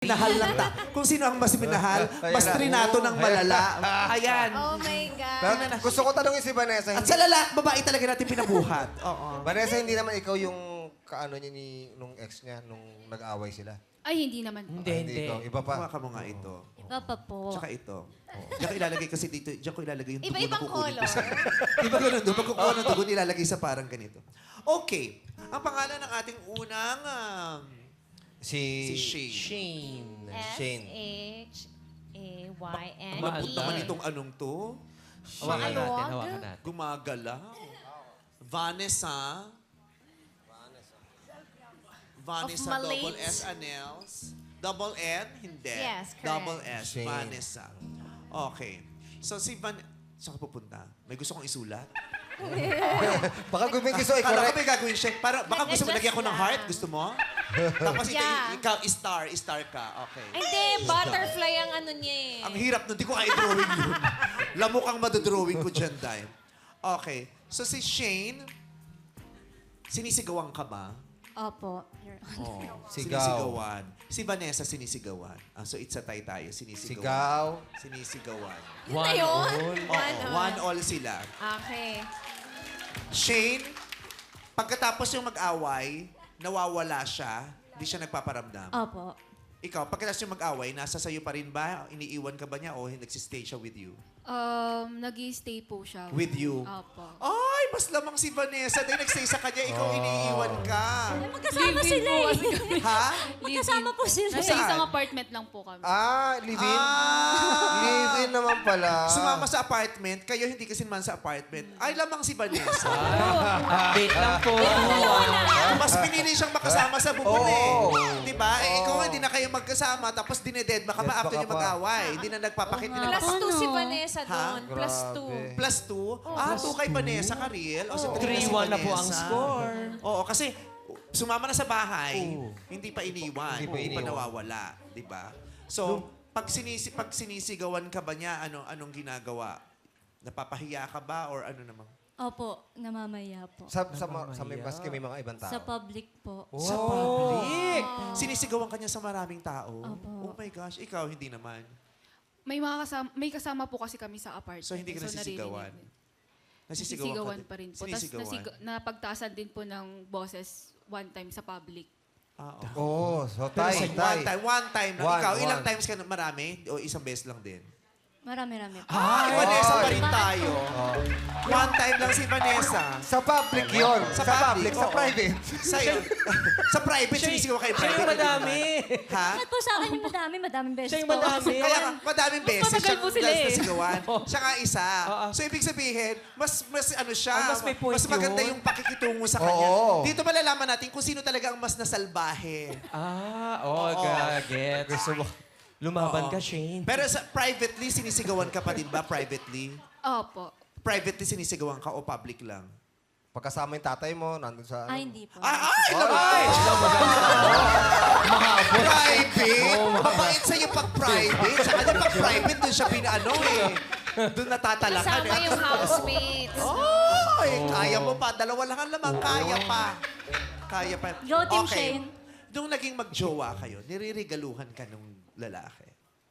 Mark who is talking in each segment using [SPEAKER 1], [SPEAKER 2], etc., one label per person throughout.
[SPEAKER 1] minahal ng kung sino ang mas minahal, mas trinato ng malala. Ayan.
[SPEAKER 2] Oh my God.
[SPEAKER 3] Pero gusto ko tanongin si Vanessa.
[SPEAKER 1] At sa lalaki, babae talaga natin pinabuhat. Oo.
[SPEAKER 3] Vanessa, hindi naman ikaw yung kaano niya nung ex niya nung nag-away sila.
[SPEAKER 4] Ay, hindi naman po.
[SPEAKER 3] Hindi ikaw. Iba pa.
[SPEAKER 1] Kuha ka mo nga ito.
[SPEAKER 5] Iba pa po.
[SPEAKER 1] Tsaka ito. Diyan ko ilalagay kasi dito. Diyan ko ilalagay yung dugo na
[SPEAKER 2] Iba-ibang
[SPEAKER 1] kukunin ko
[SPEAKER 2] color.
[SPEAKER 1] sa... Iba ganun doon. Pag kukuha ng dugo, nilalagay sa parang ganito. Okay. Ang pangalan ng ating unang... si Shane.
[SPEAKER 3] Shane.
[SPEAKER 2] S-H-A-Y-N-E.
[SPEAKER 1] Malambot naman itong anong to.
[SPEAKER 6] Hawakan natin.
[SPEAKER 1] Gumagalaw. Vanessa. Vanessa,
[SPEAKER 2] Of
[SPEAKER 1] double
[SPEAKER 2] Malate.
[SPEAKER 1] S, Anels. Double N, hindi.
[SPEAKER 2] Yes, correct.
[SPEAKER 1] Double S,
[SPEAKER 3] Shane.
[SPEAKER 1] Vanessa. Okay. So si Saan ka pupunta? May gusto kong isulat?
[SPEAKER 3] Baka guming gusto
[SPEAKER 1] Kala ko
[SPEAKER 3] i-correct.
[SPEAKER 1] may gagawin siya. Baka gusto mo
[SPEAKER 2] Adjust
[SPEAKER 1] lagyan ko ng
[SPEAKER 2] lang.
[SPEAKER 1] heart? Gusto mo? Tapos
[SPEAKER 2] Yeah.
[SPEAKER 1] ikaw, star ka. Okay.
[SPEAKER 2] Hindi, butterfly ang ano niya eh.
[SPEAKER 1] Ang hirap nun. Di ko kaya drawing yun. Lamok ang madodrawing ko dyan, Dime. Okay. So si Shane, sinisigawan ka ba?
[SPEAKER 5] Opo. Your
[SPEAKER 1] Oh,
[SPEAKER 3] Sigaw.
[SPEAKER 1] sinisigawan. Si Vanessa sinisigawan. So it's a tie tayo. Sinisigawan.
[SPEAKER 3] Sigaw.
[SPEAKER 1] Sinisigawan.
[SPEAKER 2] Yun na yun?
[SPEAKER 1] Oo, one all sila.
[SPEAKER 2] Okay.
[SPEAKER 1] Shane, pagkatapos yung mag-away, nawawala siya, hindi siya nagpaparamdam.
[SPEAKER 5] Opo.
[SPEAKER 1] Ikaw, pagkatapos yung mag-away, nasa sayo pa rin ba? Iniiwan ka ba niya o nagsistay siya with you?
[SPEAKER 4] Nag-i-stay po siya.
[SPEAKER 1] With you?
[SPEAKER 4] Opo.
[SPEAKER 1] Ay, mas lamang si Vanessa. Dahil nagstay sa kanya, ikaw iniiwan ka.
[SPEAKER 5] Magkasama sila eh.
[SPEAKER 1] Ha?
[SPEAKER 5] Magkasama po sila
[SPEAKER 4] Nasa
[SPEAKER 5] eh.
[SPEAKER 4] isang apartment lang po kami.
[SPEAKER 3] Live-in? Live-in naman pala.
[SPEAKER 1] Sumama sa apartment, kayo hindi kasi naman sa apartment. Ay, lamang si Vanessa.
[SPEAKER 6] Update lang po.
[SPEAKER 1] Mas pinili siyang makasama sa bubon eh.
[SPEAKER 3] Oo.
[SPEAKER 1] Di ba? Eh, ikaw hindi na kayo magkasama, tapos dineded ka pa after
[SPEAKER 3] Dead
[SPEAKER 1] niyo
[SPEAKER 3] ka pa.
[SPEAKER 1] mag-away. Hindi na nagpapakit. Hindi na
[SPEAKER 2] Plus 2 si Vanessa
[SPEAKER 1] Ha?
[SPEAKER 2] doon. Plus
[SPEAKER 3] Grabe.
[SPEAKER 2] 2.
[SPEAKER 1] Plus 2? 2 kay Vanessa ka, real? O, so
[SPEAKER 6] 3-1 na po ang score.
[SPEAKER 1] Oo, kasi sumama na sa bahay, hindi pa iniwan,
[SPEAKER 3] Hindi pa
[SPEAKER 1] hindi pa
[SPEAKER 3] iniwan.
[SPEAKER 1] nawawala. Di ba? So, pag sinisigawan ka ba niya, anong ginagawa? Napapahiya ka ba or ano naman?
[SPEAKER 5] Opo, namamaya po.
[SPEAKER 3] Sa may baske may mga ibang tao.
[SPEAKER 5] Sa public po.
[SPEAKER 1] Sa public? Sinisigawan ka niya sa maraming tao?
[SPEAKER 5] Opo.
[SPEAKER 1] Oh my gosh, ikaw hindi naman.
[SPEAKER 4] May kasama po kasi kami sa apartment.
[SPEAKER 1] So, hindi ka nasisigawan?
[SPEAKER 4] Nasisigawan pa rin po. Tapos
[SPEAKER 1] Sinisigawan?
[SPEAKER 4] napagtasan din po ng boses one time sa public.
[SPEAKER 1] Oo.
[SPEAKER 3] Oh, so
[SPEAKER 1] Pero
[SPEAKER 3] tay, tay.
[SPEAKER 1] one time lang.
[SPEAKER 3] One,
[SPEAKER 1] Ikaw, ilang
[SPEAKER 3] one.
[SPEAKER 1] times ka na marami? O isang beses lang din?
[SPEAKER 5] Marami-rami po.
[SPEAKER 1] Ay, Vanessa pa rin tayo. One time lang si Vanessa.
[SPEAKER 3] Sa public yun. Sa public, sa
[SPEAKER 1] oo.
[SPEAKER 3] private.
[SPEAKER 1] Sa'yo. Sa private, sinisigaw kayo
[SPEAKER 6] Siya
[SPEAKER 1] private.
[SPEAKER 6] yung
[SPEAKER 1] hindi
[SPEAKER 6] madami.
[SPEAKER 1] naman. Ha?
[SPEAKER 5] Ba't po sa akin yung madaming beses
[SPEAKER 6] Siya yung
[SPEAKER 5] po.
[SPEAKER 6] madami.
[SPEAKER 1] Kaya nga, madaming beses
[SPEAKER 4] matagal
[SPEAKER 1] siyang
[SPEAKER 4] po sila eh.
[SPEAKER 1] nasigawan. Siya nga isa.
[SPEAKER 6] Oo.
[SPEAKER 1] So, ibig sabihin, mas ano siya,
[SPEAKER 6] Mas may point
[SPEAKER 1] mas maganda
[SPEAKER 6] yun.
[SPEAKER 1] yung pakikitungo sa kanya.
[SPEAKER 3] Oo.
[SPEAKER 1] Dito malalaman natin kung sino talaga ang mas nasalbahe.
[SPEAKER 6] Get. Gusto mo. Lumaban ka, Shane.
[SPEAKER 1] Pero sa privately, sinisigawan ka pa din ba? Privately?
[SPEAKER 4] Opo.
[SPEAKER 1] Privately sinisigawan ka o public lang?
[SPEAKER 3] Pagkasama yung tatay mo, nandun sa...
[SPEAKER 5] Ay, hindi po.
[SPEAKER 1] Ay! Private? Mabait sa'yo pag private. Sa kanya pag private, doon siya pinaano eh. Doon natatalakan
[SPEAKER 2] Kasama
[SPEAKER 1] eh.
[SPEAKER 2] yung housemates.
[SPEAKER 1] Ay, kaya mo pa. Dalawa lang ang lamang. Kaya pa. Kaya pa.
[SPEAKER 5] Go, Team Shane.
[SPEAKER 1] Nung naging magjowa kayo, niririgaluhan ka nung lalaki.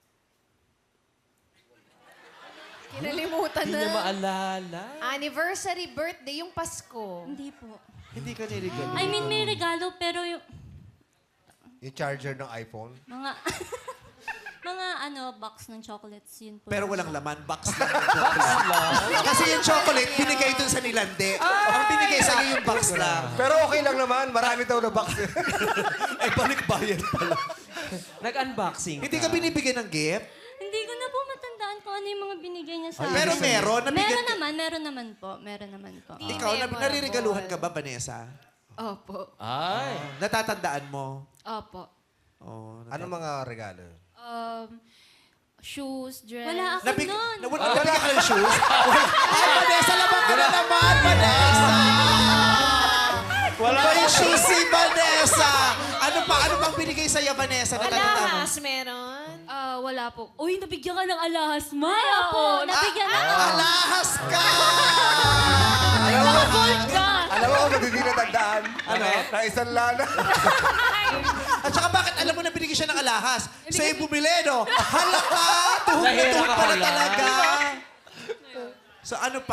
[SPEAKER 2] Kinalimutan
[SPEAKER 6] Hindi niya
[SPEAKER 2] na.
[SPEAKER 6] maalala.
[SPEAKER 2] Anniversary, birthday, yung Pasko.
[SPEAKER 5] Hindi po.
[SPEAKER 1] Hindi ka nirigaluhan.
[SPEAKER 5] I mean, may regalo, pero yung
[SPEAKER 3] Yung charger ng iPhone.
[SPEAKER 5] mga... mga box ng chocolates, yun po.
[SPEAKER 1] Pero walang laman, box lang yung chocolate. Kasi yung chocolate, binigay dun sa nilande. Ang binigay sa'yo yung box lang.
[SPEAKER 3] Pero okay lang naman, marami daw na box.
[SPEAKER 1] Ay, balik bayad pala.
[SPEAKER 6] Nag-unboxing
[SPEAKER 1] Hindi ka binibigyan ng gift?
[SPEAKER 5] Hindi ko na po matandaan kung ano yung mga binigay niya sa
[SPEAKER 1] Pero
[SPEAKER 5] akin.
[SPEAKER 1] meron.
[SPEAKER 5] Meron naman po. Meron naman po.
[SPEAKER 1] Ikaw, naririgaluhan ka ba, Vanessa?
[SPEAKER 4] Opo.
[SPEAKER 6] Ay.
[SPEAKER 1] Natatandaan mo?
[SPEAKER 4] Opo.
[SPEAKER 1] Oh,
[SPEAKER 3] Ano mga regalo?
[SPEAKER 4] Shoes, dress.
[SPEAKER 5] Wala ako nun.
[SPEAKER 1] Nabigyan ka ng shoes? Ay, Vanessa, labang ka na naman, Vanessa! Wala yung shoes si Vanessa! Ano pang binigay sa'yo, Vanessa? Natatandaan mo?
[SPEAKER 2] Alahas, meron.
[SPEAKER 4] Wala po. Uy, nabigyan ka ng alahas, ma.
[SPEAKER 5] Ay, opo. Nabigyan ako.
[SPEAKER 1] Alahas ka!
[SPEAKER 5] Gold ka.
[SPEAKER 3] Alam mo, hindi natandaan. Ano? Na isang lana.
[SPEAKER 1] At saka bakit alam mo na binigyan siya ng alahas. Sa'yo bumili, no? Hala ka! Tuhod na
[SPEAKER 6] Nahira
[SPEAKER 1] tuhod
[SPEAKER 6] ka
[SPEAKER 1] pala
[SPEAKER 6] pala.
[SPEAKER 1] talaga. So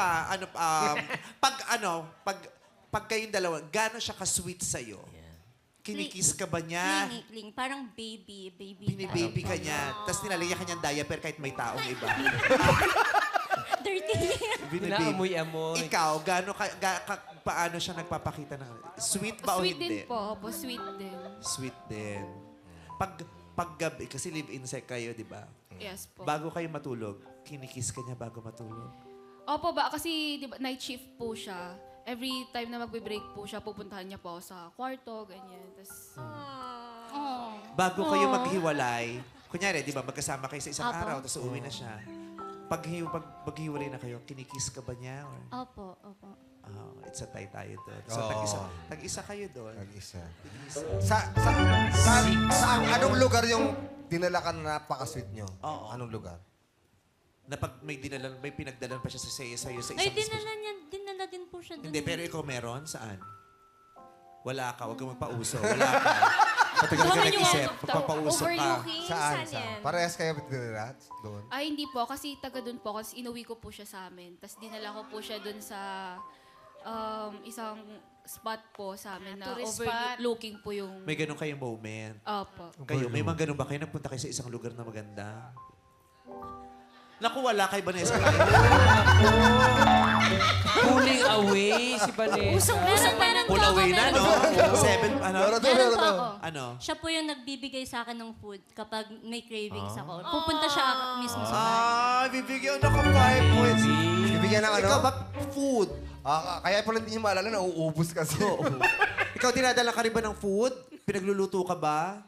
[SPEAKER 1] pag kayong dalawa, gano'n siya ka-sweet sa'yo? Kinikiss ka ba niya?
[SPEAKER 5] Kling. Parang baby.
[SPEAKER 1] Binibaby ka niya. Tapos nilalagyan ka niyang diaper kahit may taong iba.
[SPEAKER 5] Dirty.
[SPEAKER 6] Inaamoy-amoy.
[SPEAKER 1] Ikaw, paano siya nagpapakita ng... Sweet ba o
[SPEAKER 4] Sweet
[SPEAKER 1] hindi?
[SPEAKER 4] din po. Opo, sweet din.
[SPEAKER 1] Sweet din. Pag gabi, kasi live-in sa kayo, di ba?
[SPEAKER 4] Yes po.
[SPEAKER 1] Bago kayo matulog, kinikiss ka niya bago matulog.
[SPEAKER 4] Opo ba? Kasi di ba, night shift po siya. Every time na magbe-break po siya, pupuntahan niya po ako sa kwarto, ganyan. Tapos,
[SPEAKER 1] Bago kayo maghiwalay, kunyari, di ba, magkasama kayo sa isang
[SPEAKER 5] Apo.
[SPEAKER 1] araw, tapos uuwi na siya. Pag maghiwalay na kayo, kinikiss ka ba niya? Or,
[SPEAKER 5] Opo.
[SPEAKER 1] it's a tie tayo doon. So,
[SPEAKER 3] Oo.
[SPEAKER 1] tag-isa kayo doon.
[SPEAKER 3] Nag-isa. Sa anong lugar yung dinala ka na napaka-sweet nyo?
[SPEAKER 1] Oo.
[SPEAKER 3] Anong lugar?
[SPEAKER 1] Na pag may pinagdalan pa siya sa'yo sa isang
[SPEAKER 5] Ay, dinala din po siya doon.
[SPEAKER 1] Hindi, pero ikaw meron? Saan? Wala ka. Huwag kang magpauso. Wala ka. Matagal ka nag-isip. Magpapauso ka.
[SPEAKER 2] Overlooking?
[SPEAKER 3] Saan?
[SPEAKER 2] Saan yan?
[SPEAKER 3] Parehas kayo dinala doon?
[SPEAKER 4] ay hindi po. Kasi taga doon po. Kasi inuwi ko po siya sa amin. Tapos dinala ko po siya doon sa isang spot po sa amin na
[SPEAKER 2] Tourist spot.
[SPEAKER 4] overlooking po yung...
[SPEAKER 1] May ganun kayong moment.
[SPEAKER 4] Opo.
[SPEAKER 1] Kayo, may mga ganun ba kayo? Nagpunta kayo sa isang lugar na maganda? Naku, wala kay Vanessa.
[SPEAKER 6] Pulling away si Vanessa.
[SPEAKER 5] Meron
[SPEAKER 1] Pull
[SPEAKER 5] po ako,
[SPEAKER 1] away na,
[SPEAKER 5] meron
[SPEAKER 1] no?
[SPEAKER 5] po ako.
[SPEAKER 1] Meron
[SPEAKER 5] Meron po ako.
[SPEAKER 1] Ano?
[SPEAKER 5] Siya po yung nagbibigay sa akin ng food kapag may cravings ako. Pupunta siya mismo sa bahay.
[SPEAKER 1] Bibigyan ako ng 5 points.
[SPEAKER 3] Bibigyan ng ano?
[SPEAKER 1] Ikaw ba, food?
[SPEAKER 3] Kaya pala hindi niya maalala, nauubos kasi.
[SPEAKER 1] Ikaw, dinadala ka rin ba ng food? Pinagluluto ka ba?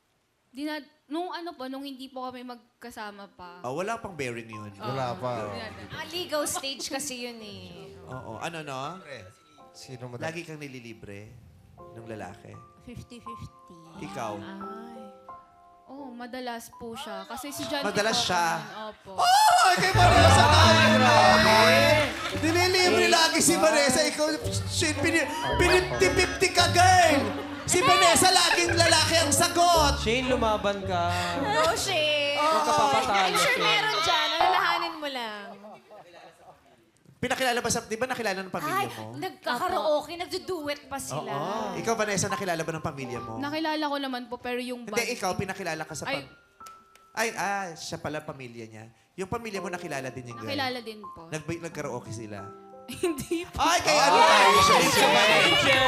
[SPEAKER 4] Nung hindi po kami magkasama pa.
[SPEAKER 1] Wala pang bearing yun.
[SPEAKER 3] Wala pa.
[SPEAKER 2] Legal stage kasi yun eh.
[SPEAKER 1] Oo. Ano, no?
[SPEAKER 3] Sino mo
[SPEAKER 1] Lagi kang nililibre ng lalaki.
[SPEAKER 5] 50-50.
[SPEAKER 1] Ikaw.
[SPEAKER 4] Oh, madalas po siya. Kasi si John...
[SPEAKER 1] Madalas siya?
[SPEAKER 4] Opo.
[SPEAKER 1] Ay, kay Vanessa tayo grabe! Nililibre lagi si Vanessa. Ikaw, shit, 50-50 ka, girl! Si Vanessa, laging lalaki ang sagot!
[SPEAKER 6] Shane, lumaban ka.
[SPEAKER 2] No shame.
[SPEAKER 6] Huwag ka papatalo,
[SPEAKER 2] I'm sure
[SPEAKER 6] Shane.
[SPEAKER 2] meron dyan. Alalahanin mo lang.
[SPEAKER 1] Pinakilala ba di ba nakilala ng pamilya
[SPEAKER 2] Ay,
[SPEAKER 1] mo?
[SPEAKER 2] nagkakaraoke, nagduduet pa sila.
[SPEAKER 1] Oo. Ikaw, Vanessa, nakilala ba ng pamilya mo?
[SPEAKER 4] Nakilala ko naman po, pero yung
[SPEAKER 1] Hindi,
[SPEAKER 4] band-
[SPEAKER 1] ikaw, pinakilala ka sa
[SPEAKER 4] Ay.
[SPEAKER 1] siya pala pamilya niya. Yung pamilya mo, nakilala din yung girl.
[SPEAKER 4] Nakilala din po.
[SPEAKER 1] Nagkaraoke sila.
[SPEAKER 4] Hindi po.
[SPEAKER 1] Ay, kaya ano tayo siya? Lips of an Angel.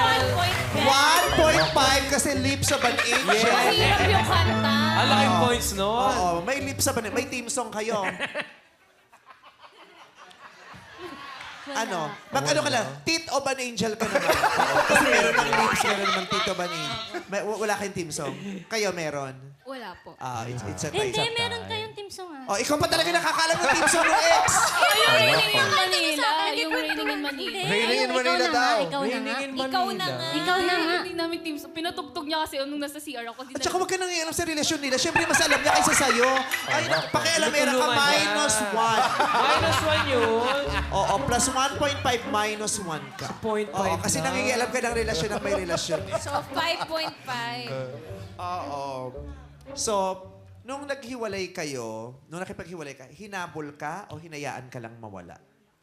[SPEAKER 1] 1.5 kasi lips of an angel.
[SPEAKER 2] Mahirap yung kanta.
[SPEAKER 6] Ang laking points nun.
[SPEAKER 1] Oo, may lips of an angel. May team song kayo. Ano? Mag-ano ka lang? Tit of an angel ka naman. Kasi meron ng lips, meron naman tit of an angel. Wala kayong team song. Kayo meron.
[SPEAKER 4] Wala po.
[SPEAKER 1] It's a tie.
[SPEAKER 5] Hindi, meron kayong team song ah.
[SPEAKER 1] Oh, ikaw pa talaga nakakalam ng team song ng ex.
[SPEAKER 4] Yung Raining in Manila. Yung Raining in Manila.
[SPEAKER 3] Raining in
[SPEAKER 5] Ikaw
[SPEAKER 3] Manila
[SPEAKER 5] na nga,
[SPEAKER 3] daw.
[SPEAKER 5] Ikaw na nga.
[SPEAKER 6] Raining in
[SPEAKER 2] Ikaw na
[SPEAKER 6] Manila.
[SPEAKER 2] nga.
[SPEAKER 5] Ikaw na nga.
[SPEAKER 4] Hindi namin team. Pinatugtog niya kasi nung nasa CR ako.
[SPEAKER 1] At saka huwag ka nang ialam sa relasyon nila. Siyempre, mas alam niya kaysa sa'yo. Ay, pakialamera ka,
[SPEAKER 6] Tutulungan niya.
[SPEAKER 1] -1.
[SPEAKER 6] -1 yun.
[SPEAKER 1] Oo, plus 1.5 minus 1 ka.
[SPEAKER 6] 0.5
[SPEAKER 1] Oo, kasi
[SPEAKER 6] na.
[SPEAKER 1] nangingialam ka ng relasyon ng may relasyon.
[SPEAKER 2] So, 5.5.
[SPEAKER 1] Oo. So, nung naghiwalay kayo, nung nakipaghiwalay ka, hinabol ka o hinayaan ka lang mawala?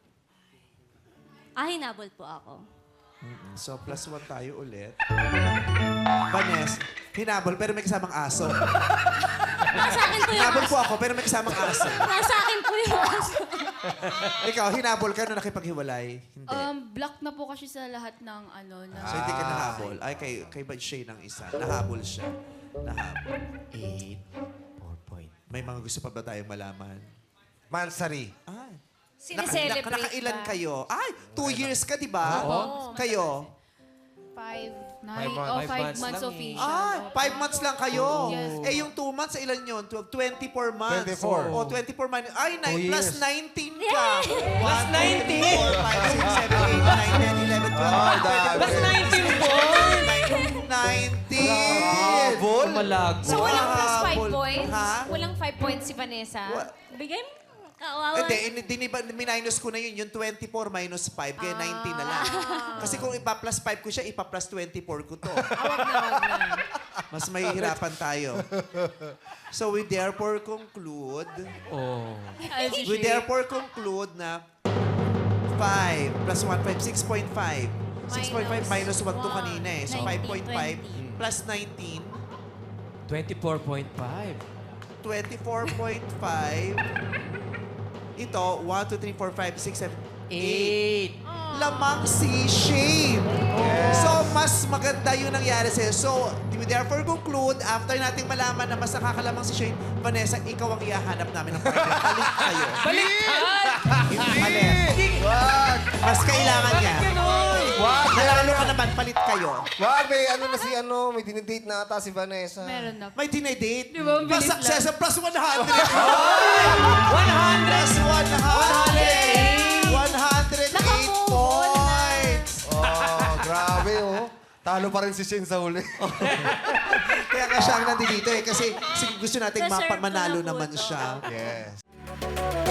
[SPEAKER 5] Hinabol po ako.
[SPEAKER 1] So, plus 1 tayo ulit. Vanessa, hinabol pero may kasamang aso.
[SPEAKER 5] Nasa akin po yung
[SPEAKER 1] Hinabol
[SPEAKER 5] aso.
[SPEAKER 1] po ako pero may kasamang aso.
[SPEAKER 5] Nasa akin po yung aso.
[SPEAKER 1] Ikaw, hinabol ka nung nakipaghiwalay? Hindi.
[SPEAKER 4] Block na po kasi sa lahat ng ano. Na,
[SPEAKER 1] So, hindi ka nahabol. Ay, kay Shay ng isa. Nahabol siya. Nahabol.
[SPEAKER 6] 8. 4 point.
[SPEAKER 1] May mga gusto pa ba tayong malaman?
[SPEAKER 3] Mansari.
[SPEAKER 1] Ay.
[SPEAKER 2] Sineselebrate
[SPEAKER 1] Nakailan
[SPEAKER 2] ba?
[SPEAKER 1] kayo? Ay, 2 years ka, di ba?
[SPEAKER 2] Oo.
[SPEAKER 1] Kayo?
[SPEAKER 2] 5.
[SPEAKER 4] 5 months
[SPEAKER 6] lang
[SPEAKER 4] official.
[SPEAKER 1] Ah, 5 months lang kayo.
[SPEAKER 4] Yes.
[SPEAKER 1] Eh, yung 2 months, ilan yun? 24 months.
[SPEAKER 3] 24.
[SPEAKER 1] O, 24 months. Ay,
[SPEAKER 3] 2
[SPEAKER 1] plus
[SPEAKER 3] years.
[SPEAKER 1] 19 ka.
[SPEAKER 6] Plus 19.
[SPEAKER 1] 4, 5, 6, 7, 8, 9, 10, 11, 12,
[SPEAKER 3] Ay,
[SPEAKER 1] 13,
[SPEAKER 6] Plus 19 points.
[SPEAKER 1] 19.
[SPEAKER 3] Habol?
[SPEAKER 6] Malago.
[SPEAKER 2] So, walang plus 5
[SPEAKER 1] Habol.
[SPEAKER 2] points?
[SPEAKER 1] Ha?
[SPEAKER 2] Walang 5 points si Vanessa?
[SPEAKER 1] Wa-
[SPEAKER 5] Bigay mo. Kawawa.
[SPEAKER 1] Minus ko na yun. Yung 24 minus 5, kaya 19 na lang. Kasi kung ipa-plus 5 ko siya, ipa-plus 24 ko to.
[SPEAKER 7] Awag na.
[SPEAKER 1] Mas mahihirapan tayo. So we therefore conclude,
[SPEAKER 6] Oh.
[SPEAKER 1] we therefore conclude na 5 plus 1, 5, 6.5. 6.5 minus 1 to kanina eh. So 5.5 plus 19,
[SPEAKER 6] 24.5.
[SPEAKER 1] 24.5. Ito, 1, 2, 3, 4, 5, 6, 7, 8.
[SPEAKER 6] 8.
[SPEAKER 1] Lamang si Shane. So, mas maganda yung nangyari sa'yo. So, we therefore conclude, after nating malaman na mas nakakalamang si Shane, Vanessa, ikaw ang ihahanap namin ng partner. Balik kayo.
[SPEAKER 6] Baliktad!
[SPEAKER 1] Balik.
[SPEAKER 3] Wag!
[SPEAKER 1] Mas kailangan niya.
[SPEAKER 3] Wag!
[SPEAKER 1] Nalalo ka naman, palit kayo.
[SPEAKER 3] Wag, may ano na si ano, may dinidate na ata si Vanessa.
[SPEAKER 2] Meron na po.
[SPEAKER 1] May dinedate.
[SPEAKER 2] Di ba, ang
[SPEAKER 1] Plus
[SPEAKER 2] bilis
[SPEAKER 1] success, plus 100. 100!
[SPEAKER 6] 100!
[SPEAKER 1] Plus 100! 108 points!
[SPEAKER 3] Oh, grabe oh. Talo pa rin si Shane sa huli.
[SPEAKER 1] Kaya nga siya ang nandito eh. Kasi gusto nating
[SPEAKER 5] Deserve ko
[SPEAKER 1] manalo
[SPEAKER 5] na po
[SPEAKER 1] naman
[SPEAKER 5] to.
[SPEAKER 1] siya.
[SPEAKER 3] Yes.